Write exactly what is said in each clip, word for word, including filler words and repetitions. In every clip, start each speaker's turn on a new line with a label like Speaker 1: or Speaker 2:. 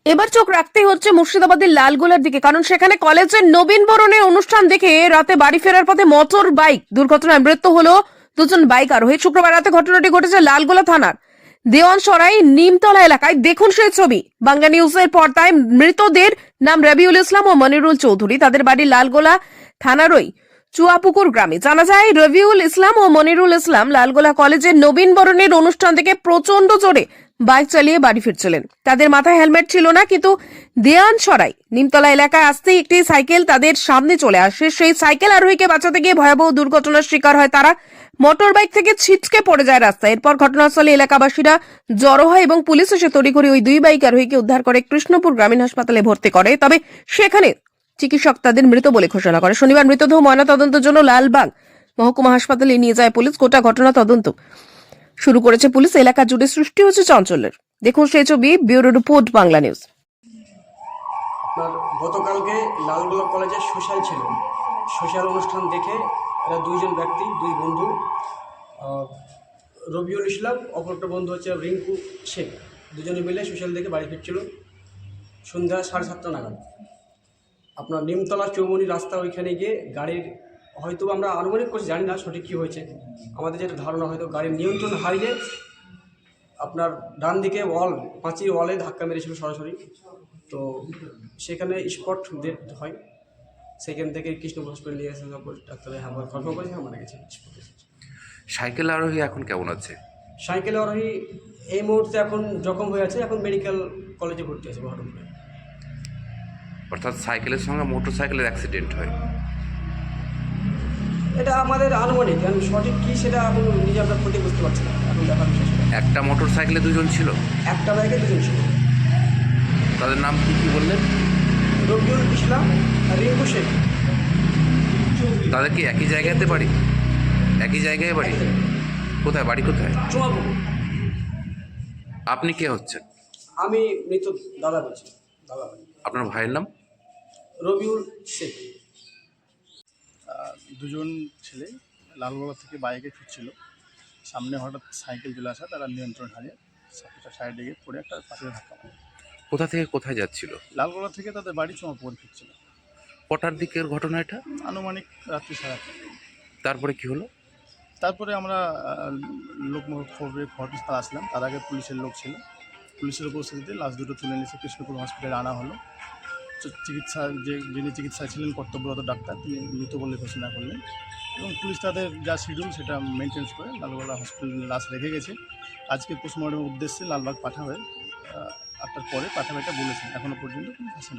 Speaker 1: এবার চোখ রাখতেই হচ্ছে মুর্শিদাবাদের লালগোলার দিকে, কারণ সেখানে কলেজের নবীন বরণের অনুষ্ঠান দেখে রাতে বাড়ি ফেরার পথে মোটর বাইক দুর্ঘটনায় মৃত্যু হলো দুজন বাইক আরোহী। শুক্রবার রাতে ঘটনাটি ঘটেছে লালগোলা থানার দেওয়ানসরাই নিমতলা এলাকায়। দেখুন সেই ছবি বাংলা নিউজের পর্দায়। মৃতদের নাম রবিউল ইসলাম ও মনিরুল চৌধুরী। তাদের বাড়ি লালগোলা থানারই চুয়াপুকুর গ্রামে। জানা যায় রবিউল ইসলাম ও মনিরুল ইসলাম লালগোলা কলেজের নবীন বরণের অনুষ্ঠান থেকে প্রচন্ড জোরে বাইক চালিয়ে বাড়ি ফিরছিলেন। তাদের মাথায় হেলমেট ছিল না, কিন্তু দেওয়ানসরাই নিমতলা এলাকায় আসতেই একটি সাইকেল তাদের সামনে চলে আসে। সেই সাইকেল আরোহীকে বাঁচাতে গিয়ে ভয়াবহ দুর্ঘটনার শিকার হয় তারা। মোটর বাইক থেকে ছিটকে পড়ে যায় রাস্তায়। এরপর ঘটনাস্থলে এলাকাবাসীরা জড়ো হয় এবং পুলিশ এসে তড়িঘড়ি ওই দুই বাইক আরোহীকে উদ্ধার করে কৃষ্ণপুর গ্রামীণ হাসপাতালে ভর্তি করে। তবে সেখানে চিকিৎসক তাদের মৃত বলে ঘোষণা করে। শনিবার মৃতদেহ ময়নাতদন্তের জন্য লালবাগ মহকুমা হাসপাতালে নিয়ে যায় পুলিশ। গোটা ঘটনা তদন্ত শুরু করেছে পুলিশ। এলাকা জুড়ে সৃষ্টি হচ্ছে চাঞ্চল্যের। দেখুন সেই ছবি, ব্যুরো রিপোর্ট, বাংলা নিউজ।
Speaker 2: আপনার গতকালকে লালগোলা কলেজে সোশ্যাল ছিল। সোশ্যাল অনুষ্ঠান দেখে এরা দুইজন ব্যক্তি, দুই বন্ধু, রবিউল ইসলাম, অপরটা বন্ধু হচ্ছে রিঙ্কু শেখ, দুজনে মিলে সোশ্যাল দেখে বাড়ি ফিরছিল সন্ধ্যা সাড়ে সাতটা নাগাদ। আপনার নিমতলা চৌমনি রাস্তা, ওইখানে গিয়ে গাড়ির, হয়তো আমরা আনুমানিক করছি, জানি না সঠিক কী হয়েছে, আমাদের যেটা ধারণা হয়তো গাড়ির নিয়ন্ত্রণ হারিয়ে আপনার ডান দিকে ওয়াল, পাঁচির ওয়ালে ধাক্কা মেরেছিল সরাসরি। তো সেখানে স্পট ডেথ হয়। সেখান থেকে কৃষ্ণপুর হসপিটাল নিয়ে আসা ডাক্তারে আমার কনফার্ম করেছে মারা গেছে।
Speaker 3: সাইকেল আরোহী এখন কেমন আছে?
Speaker 2: সাইকেল আরোহী এই মুহূর্তে এখন জখম হয়ে আছে, এখন মেডিকেল কলেজে ভর্তি আছে বহরমপুরে।
Speaker 3: অর্থাৎ সাইকেলের সঙ্গে মোটর সাইকেলের অ্যাক্সিডেন্ট হয়?
Speaker 2: এটা আমাদের আনুমানিক, আমি সঠিক কী সেটা এখন নিজে আমরা ক্ষতি বুঝতে পারছি না, এখন দেখার বিষয় সেটা।
Speaker 3: একটা মোটর সাইকেলে দুজন ছিল?
Speaker 2: একটা বাইকে দুজন ছিল।
Speaker 3: তাদের নাম কি কি বললেন?
Speaker 2: রবিউল ইসলাম আর রিঙ্কু শেখ।
Speaker 3: তাদের কি একই জায়গাতে বাড়ি? একই জায়গায় বাড়ি? কোথায় বাড়ি, কোথায়?
Speaker 2: চুয়াপুকুর।
Speaker 3: আপনি কে হচ্ছেন?
Speaker 2: আমি মৃত দাদা বলছি, দাদা ভাই।
Speaker 3: আপনার ভাইয়ের নাম?
Speaker 2: রবিউল শেখ।
Speaker 4: দুজন ছেলে লালগোলা থেকে বাইকে ফিরছিল, সামনে হঠাৎ সাইকেল চলে আসা, তারা নিয়ন্ত্রণ হারিয়ে সাইকেলটা সাইডে গিয়ে পড়ে একটা পাশে ধাক্কা মারে।
Speaker 3: কোথা থেকে কোথায় যাচ্ছিল?
Speaker 4: লালগোলা থেকে তাদের বাড়ি চুয়াপুকুর ফিরছিল।
Speaker 3: কটার দিকের ঘটনা এটা?
Speaker 4: আনুমানিক রাত্রি সাড়ে আটটা।
Speaker 3: তারপরে কি হলো?
Speaker 4: তারপরে আমরা লোকমুখ খবরে ঘটনাস্থলে আসলাম। তার আগে পুলিশের লোক ছিল, পুলিশের উপস্থিতিতে লাশ দুটো তুলে নিয়েছে, কৃষ্ণপুর হসপিটালে আনা হলো। চিকিৎসা যে যিনি চিকিৎসায় ছিলেন কর্তব্যরত ডাক্তার, তিনি মৃত বলে ঘোষণা করলেন এবং পুলিশ তাদের যা শিডিউল সেটা মেনটেন্স করে লালগোলা হসপিটালে লাশ রেখে গেছে। আজকে পোস্টমর্টমের উদ্দেশ্যে লালবাগ পাঠাবে, আটটার পরে পাঠাবে এটা বলেছেন, এখনও পর্যন্ত কোনো আসেনি।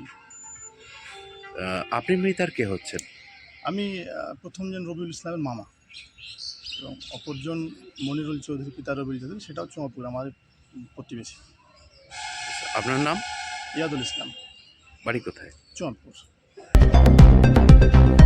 Speaker 3: আপনি মৃতার কে হচ্ছেন?
Speaker 4: আমি প্রথমজন রবিউল ইসলামের মামা এবং অপরজন মনিরুল চৌধুরী, পিতা রবিউল চৌধুরী, সেটাও চুয়াপুর আমার প্রতিবেশী।
Speaker 3: আপনার নাম?
Speaker 4: ইয়াদুল ইসলাম।
Speaker 3: বাড়ি কোথায়?
Speaker 4: চুয়াপুর।